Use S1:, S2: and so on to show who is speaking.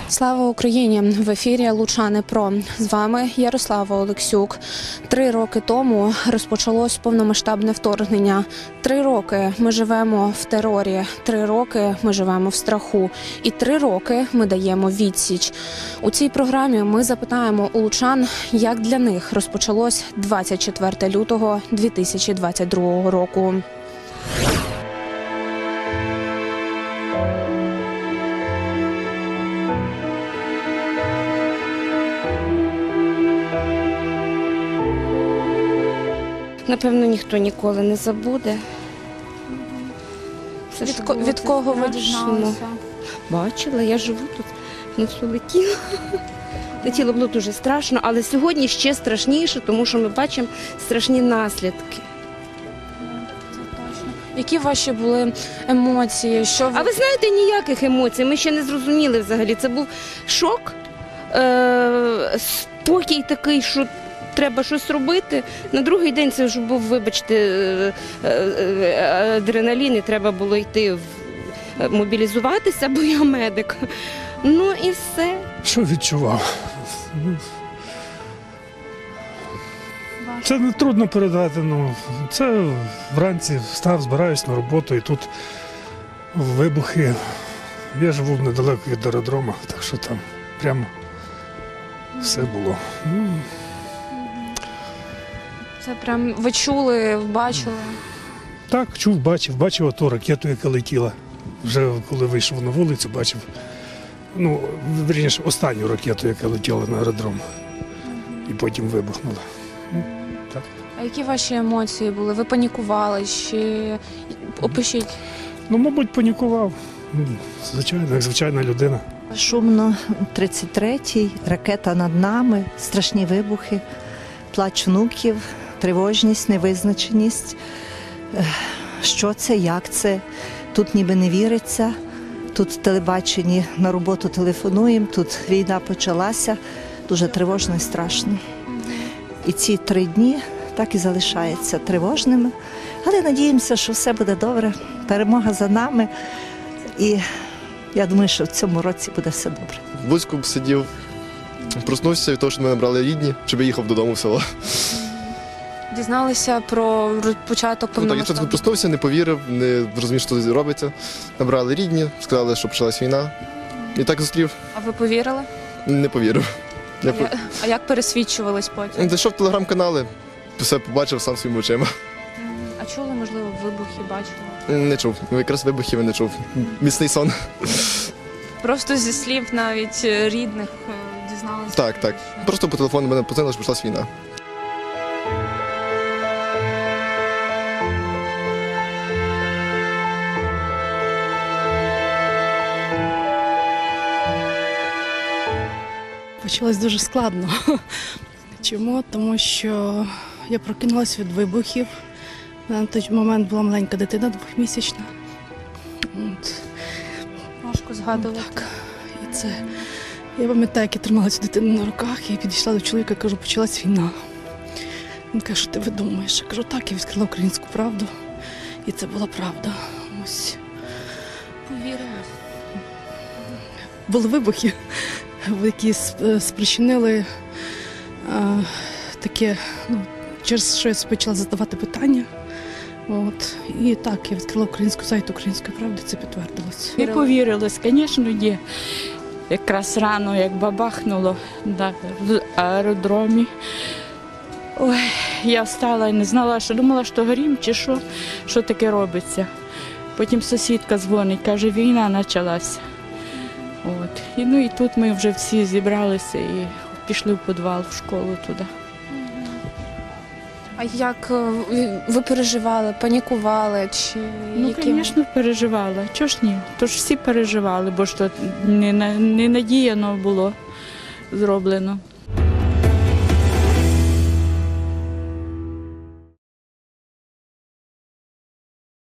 S1: Слава Україні! В ефірі «Лучани Про». З вами Ярослава Олексюк. 3 роки тому розпочалось повномасштабне вторгнення. 3 роки ми живемо в терорі. 3 роки ми живемо в страху. І 3 роки ми даємо відсіч. У цій програмі ми запитаємо у лучан, як для них розпочалось 24 лютого 2022 року.
S2: Напевно, ніхто ніколи не забуде.
S1: Від кого ви дізналися?
S2: Бачила, я живу тут, не все летіло. Летіло було дуже страшно, але сьогодні ще страшніше, тому що ми бачимо страшні наслідки.
S1: Які ваші були емоції?
S2: А ви знаєте, ніяких емоцій, ми ще не зрозуміли взагалі. Це був шок, спокій такий, що треба щось робити. На другий день це вже був, вибачте, адреналін, і треба було йти мобілізуватися, бо я медик. Ну і все.
S3: Що відчував? Це не трудно передати. Це вранці встав, збираюсь на роботу, і тут вибухи. Я живу недалеко від аеродрому, так що там прямо все було.
S1: Це прям ви чули, бачили?
S3: Так, чув, бачив оту ракету, яка летіла. Вже коли вийшов на вулицю, бачив, вірніше, останню ракету, яка летіла на аеродром. І потім вибухнула. Так.
S1: А які ваші емоції були? Ви панікували? Чи опишіть?
S3: Мабуть, панікував. Звичайно, як звичайна людина.
S4: Шумно, 33-й, ракета над нами, страшні вибухи, плач внуків, тривожність, невизначеність. Що це, як це? Тут ніби не віриться, тут в телебаченні на роботу телефонуємо, тут війна почалася, дуже тривожно і страшно. І ці 3 дні так і залишаються тривожними, але надіємося, що все буде добре, перемога за нами. І я думаю, що в цьому році буде все добре.
S5: В Луцьку сидів, проснувся від того, що мене брали рідні, щоб я їхав додому в село.
S1: Дізналися про початок
S5: Я
S1: повномасштабного?
S5: проснувся, не повірив, не зрозумів, що тут робиться. Набрали рідні, сказали, що почалась війна. І так зустрів.
S1: А ви повірили?
S5: Не повірив.
S1: А як пересвідчувались потім?
S5: Зайшов в телеграм-канали, все побачив сам своїми очима.
S1: А чули, можливо, вибухи, бачили?
S5: Не чув. Якраз вибухів не чув. Міцний сон.
S1: Просто зі слів навіть рідних дізналися?
S5: Так. Просто по телефону мене позвонили, що почалась війна.
S6: Почалось дуже складно. Чому? Тому що я прокинулася від вибухів. На той момент була маленька дитина, 2-місячна.
S1: Важко згадувати.
S6: Так. І це, я пам'ятаю, як я тримала цю дитину на руках, і підійшла до чоловіка, кажу, почалась війна. Він каже, що ти видумаєш? Я кажу, так, я відкрила Українську правду. І це була правда. Ось.
S1: Повірили.
S6: Були вибухи, які спричинили таке, через що я почала задавати питання. І так, я відкрила сайт Української правди, це підтвердилося.
S7: Не повірилось, звісно, ні. Якраз рано, як бабахнуло в аеродромі. Ой, я встала і не знала, що думала, що горім чи що таке робиться. Потім сусідка дзвонить, каже, війна почалася. І тут ми вже всі зібралися і пішли в підвал, в школу туди.
S1: А як ви переживали, панікували?
S7: Звісно, переживала. Чого ж ні? Тож всі переживали, бо ж то не надіяно було зроблено.